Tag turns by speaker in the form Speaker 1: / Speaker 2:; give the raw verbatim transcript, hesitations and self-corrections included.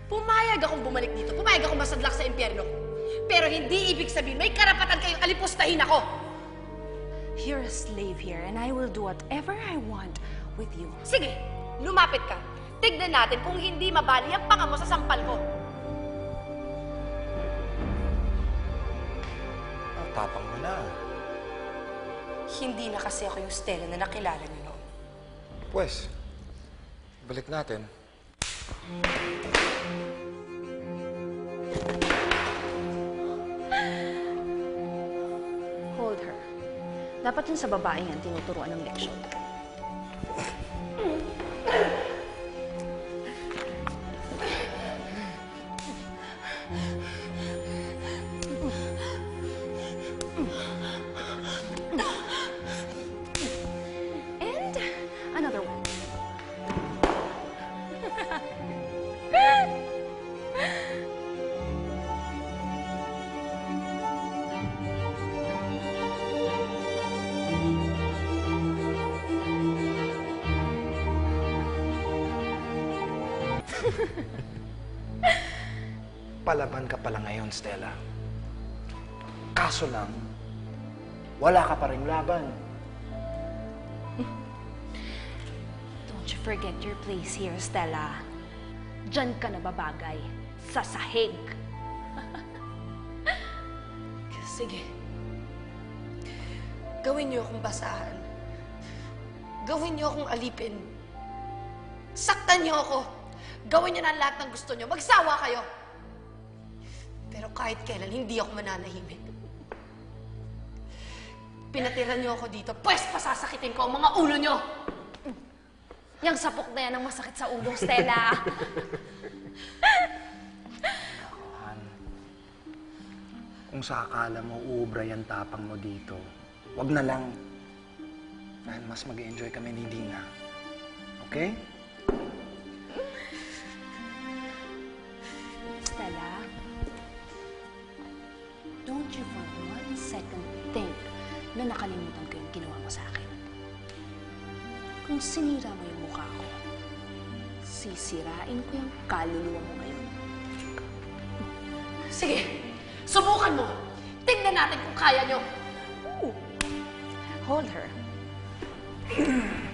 Speaker 1: Pumayag akong bumalik dito. Pumayag akong masadlak sa impyerno. Pero hindi ibig sabihin may karapatan kayong alipustahin ako.
Speaker 2: You're a slave here, and I will do whatever I want with you.
Speaker 1: Sige, lumapit ka. Tignan natin kung hindi mabali ang panga mo sa sampal ko.
Speaker 3: Ang tapang mo na.
Speaker 1: Hindi na kasi ako yung Stella na nakilala niyo noon.
Speaker 3: Pwes, balik natin.
Speaker 2: Hold her. Dapat yun sa babae yan tinuturuan ng leksyon. And another one.
Speaker 3: Palaban ka pala ngayon, Stella. Kaso lang, wala ka pa rin laban.
Speaker 2: Don't you forget your place here, Stella. Diyan ka nababagay. Sa sahig.
Speaker 1: Sige. Gawin niyo akong basahan. Gawin niyo akong alipin. Saktan niyo ako. Gawin niyo na lahat ng gusto niyo. Magsawa kayo. Pero kahit kailan, hindi ako mananahimik. Pinatira niyo ako dito, pwes pasasakitin ko ang mga ulo niyo!
Speaker 2: Yang sapok na yan ang masakit sa ulo, Stella.
Speaker 3: Han, kung sa akala mo uubra yung tapang mo dito, wag na lang. Dahil mas mag-enjoy kami ni Dina. Okay?
Speaker 2: Stella, don't you for one second think na nakalimutan ko yung ginawa mo sa akin. Kung sinira mo yung mukha ko, sisirain ko yung kaluluwa mo ngayon.
Speaker 1: Sige, subukan mo! Tingnan natin kung kaya niyo!
Speaker 2: Ooh. Hold her.